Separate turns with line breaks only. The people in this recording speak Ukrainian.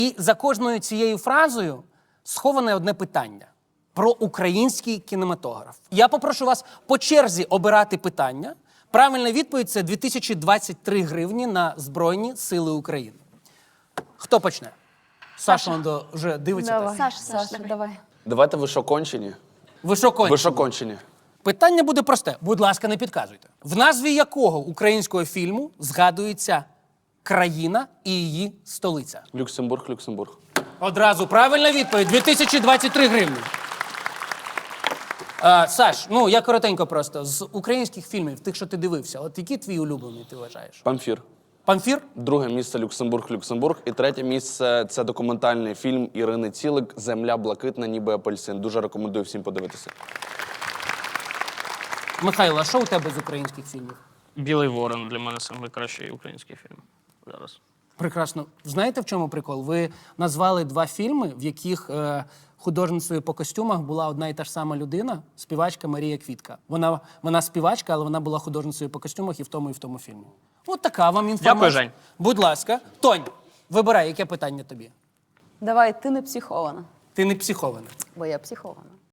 І за кожною цією фразою сховане одне питання про український кінематограф. Я попрошу вас по черзі обирати питання. Правильна відповідь – це 2023 гривні на Збройні Сили України. Хто почне? Саша Ландо вже дивиться.
Давай.
Так?
Саша, давай.
Давайте ви що кончені?
Ви що кончите?
Ви що кончені?
Питання буде просте. Будь ласка, не підказуйте. В назві якого українського фільму згадується країна і її столиця?
Люксембург, Люксембург.
Одразу правильна відповідь. 2023 гривні. Саш, ну я коротенько просто. З українських фільмів, тих, що ти дивився, от який твій улюблений, ти вважаєш?
Памфір.
Памфір?
Друге місце Люксембург, Люксембург. І третє місце – це документальний фільм Ірини Цілик «Земля блакитна, ніби апельсин». Дуже рекомендую всім подивитися.
Михайло, а що у тебе з українських фільмів?
Білий ворон для мене найкращий український фільм зараз.
Прекрасно. Знаєте, в чому прикол? Ви назвали два фільми, в яких художницею по костюмах була одна і та ж сама людина, співачка Марія Квітка. Вона співачка, але вона була художницею по костюмах і в тому фільмі. От така вам інформація.
Дякую, Жень.
Будь ласка. Тонь, вибирай, яке питання тобі.
Давай, ти не психована.
Ти не психована.
Бо я психована.